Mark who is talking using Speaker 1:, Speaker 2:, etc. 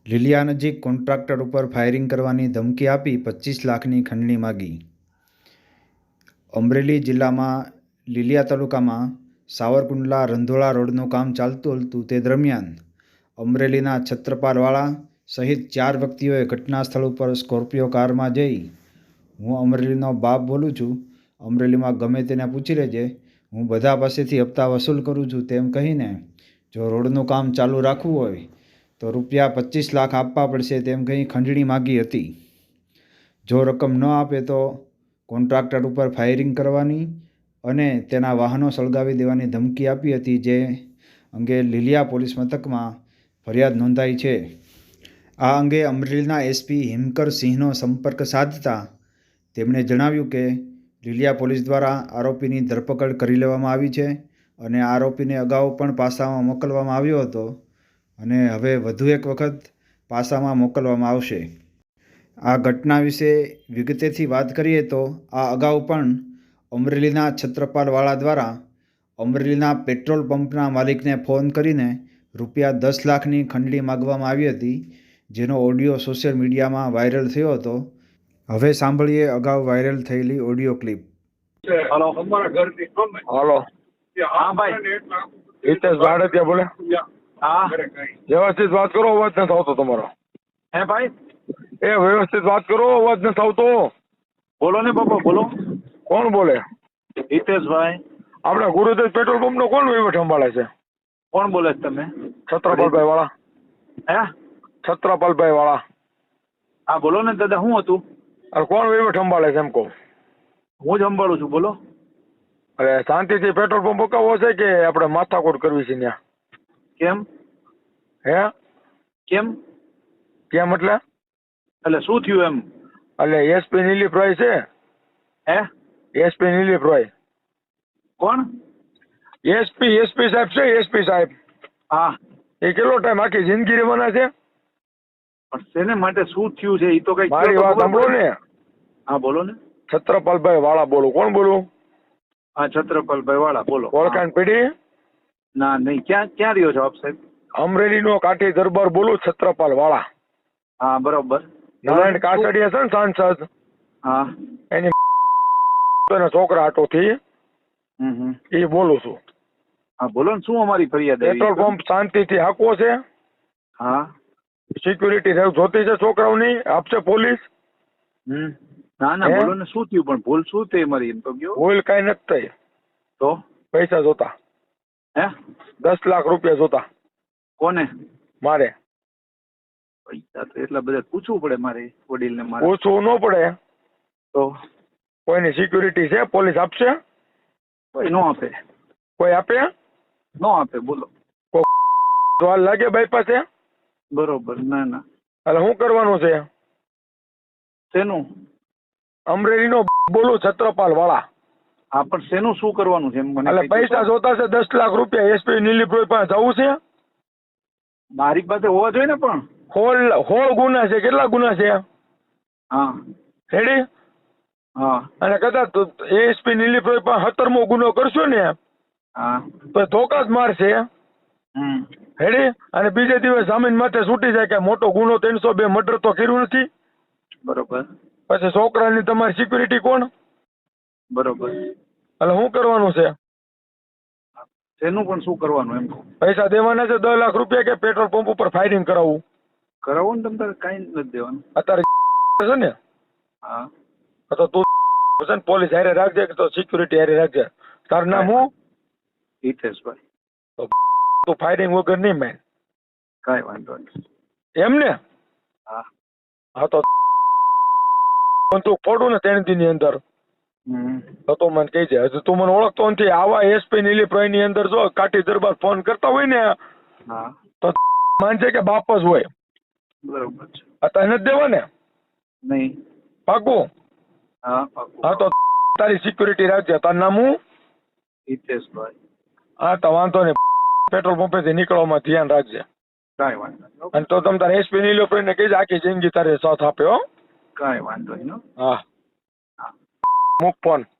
Speaker 1: લીલિયા નજીક કોન્ટ્રાક્ટર ઉપર ફાયરિંગ કરવાની ધમકી આપી 25 લાખની ખંડણી માગી. અમરેલી જિલ્લામાં લીલિયા તાલુકામાં સાવરકુંડલા રંધોળા રોડનું કામ ચાલતું હતું તે દરમિયાન અમરેલીના છત્રપાલવાળા સહિત 4 વ્યક્તિઓએ ઘટના સ્થળ ઉપર સ્કોર્પિયો કારમાં જઈ હું અમરેલીનો બાપ બોલું છું, અમરેલીમાં ગમે તેને પૂછી લેજે, હું બધા પાસેથી હપ્તા વસૂલ કરું છું તેમ કહીને જો રોડનું કામ ચાલુ રાખવું હોય તો રૂપિયા 25 લાખ આપવા પડશે તેમ કહી ખંડણી માગી હતી. જો રકમ ન આપે તો કોન્ટ્રાક્ટર ઉપર ફાયરિંગ કરવાની અને તેના વાહનો સળગાવી દેવાની ધમકી આપી હતી, જે અંગે લીલિયા પોલીસ મથકમાં ફરિયાદ નોંધાઈ છે. આ અંગે અમરેલીના એસપી હિમકર સિંહનો સંપર્ક સાધતા તેમણે જણાવ્યું કે લીલિયા પોલીસ દ્વારા આરોપીની ધરપકડ કરી લેવામાં આવી છે અને આરોપીને અગાઉ પણ પાસામાં મોકલવામાં આવ્યો હતો અને હવે વધુ એક વખત પાસામાં મોકલવામાં આવશે. આ ઘટના વિશે વિગતેથી વાત કરીએ તો આ અગાઉ પણ અમરેલીના છત્રપાલવાળા દ્વારા અમરેલીના પેટ્રોલ પંપના માલિકને ફોન કરીને રૂપિયા 10 લાખની ખંડણી માગવામાં આવી હતી, જેનો ઓડિયો સોશિયલ મીડિયામાં વાયરલ થયો હતો. હવે સાંભળીએ અગાઉ વાયરલ થયેલી ઓડિયો ક્લિપ.
Speaker 2: हेलो हेलो हाँ भाई हितेश भारतीय बोले हाँ व्यवस्थित बात करो, अवाज नहीं આવતો તમારો. હે ભાઈ એ વ્યવસ્થિત વાત કરો, અવાજ નથી આવતો. બોલો ને બાપા બોલો. કોણ બોલે? હિતેશભાઈ. આપણે ગુરુદેવ પેટ્રોલ પંપ નો કોણ વહીવટ સંભાળે છે? કોણ બોલે છે તમે? છત્રપાલભાઈ વાળા. હે છત્રપાલભાઈ વાળા. હા બોલો ને દાદા, શું હતું? અરે કોણ વહીવટ સંભાળે છે એમ કહું? હું જ સંભાળું છું, બોલો. અરે શાંતિથી પેટ્રોલ પંપ મુકાવવો છે કે આપણે માથાકૂટ કરવી છે ત્યાં? કેમ? હે કેમ? કેમ એટલે શું થયું એમ? એટલે એસપી નીલીપ્રાય છે. હે એસપી નીલીપ્રાય. કોણ? એસપી સાહેબ છે, એસપી સાહેબ. હા એ કેટલો ટાઈમ આખી જિંદગી રહેવાના છે? પણ શેને માટે શું થયું છે એ તો કઈ મારી વાત સાંભળો ને. હા બોલો ને. છત્રપાલભાઈ વાળા બોલું. કોણ બોલું? હા છત્રપાલભાઈ વાળા બોલો. ઓળખાણ પેઢી? ના નહીં. ક્યાં ક્યાં રહ્યો છો આપ સાહેબ? અમરેલી નો કાઠી દરબાર બોલું, છત્રપાલ વાળા. હા બરોબર. નારાયણ કાસડિયા છે ને સાંસદ? હા એની છોકરા આટો થી એ બોલું છું. હા બોલો ને, શું અમારી ફરિયાદ? પેટ્રોલ પંપ શાંતિથી હાંકવો છે. હા સિક્યુરિટી જોતી છે છોકરાઓની, આપશે પોલીસ? ના ના બોલો ને, શું થયું? પણ ભૂલ શું થઈ મારી એમ તો કયો. ભૂલ કઈ નથી થઈ. તો પૈસા જોતા. હે 10 લાખ રૂપિયા જોતા. કોને? મારે. પૈસા તો એટલા બધા પૂછવું પડે મારે વડીલને? મારે પૂછવું ન પડે. તો કોઈની સિક્યુરિટી છે, પોલીસ આપશે? કોઈ નો આપે. કોઈ આપે? નો આપે. બોલો સવાલ લાગે ભાઈ પાસે? બરોબર. ના ના. એટલે શું કરવાનું છે? શેનું? અમરેલી નો બોલું, છત્રપાલ વાળા. હા પણ શેનું શું કરવાનું છે? એટલે પૈસા જોતા છે 10 લાખ રૂપિયા. એસપી નીલીપ્રોય પાસે જવું છે? મારી પાસે હોવા જોઈએ ને. પણ 16 ગુના છે. કેટલા ગુના છે? હા રેડી. હા અને કદાચ એસપી નીલીપ્રોય પાસે 17મો ગુનો કરશો ને હા તો ધોકા જ મારશે. રેડી. અને બીજે દિવસ જામીન માથે છૂટી જાય કે મોટો ગુનો 302 મર્ડર તો કર્યું નથી. બરોબર. પછી છોકરાની તમારી સિક્યુરિટી કોણ? બરોબર. એટલે શું કરવાનું છે? તેનું પણ શું કરવાનું એમ? પૈસા દેવાના છે 10 લાખ રૂપિયા કે પેટ્રોલ પંપ ઉપર ફાયરિંગ કરાવવું? કરાવો ને તમે તારે, કઈ નથી દેવાનું અત્યારે છે ને. હા તો તું છે ને પોલીસ હારે રાખજે કે તો સિક્યુરિટી હારે રાખજે. તારું નામ હું? હિતેશભાઈ. તો તું ફાયરિંગ વગર નહીં મેં. કઈ વાંધો નહીં. એમ ને? હા હા તો તું ફોડું ને 3 દી ની અંદર તો તું મને કહી જાય. હજુ તું મને ઓળખતો નથી. આવા એસપી નીલીપ્રાય ની અંદર જો કાઠી દરબાર ફોન કરતા હોય ને તો માનજે કે બાપ જ હોય. બરોબર છે. અત્યારે નથી દેવા ને? નહીં. પાકું? હા પાકું. હા તો તારી સિક્યુરિટી રાખજે. તારું નામ હું? હિતેશભાઈ. હા તો વાંધો નહીં. પેટ્રોલ પંપેથી નીકળવામાં ધ્યાન રાખજે. કાંઈ વાંધો નહીં. અને તો તમે તારે એસપી નીલીપ્રાય ને કહીજે આખી જિંદગી તારે સાથ આપે. હો કાંઈ વાંધો નહીં. હા મૂક ફોન.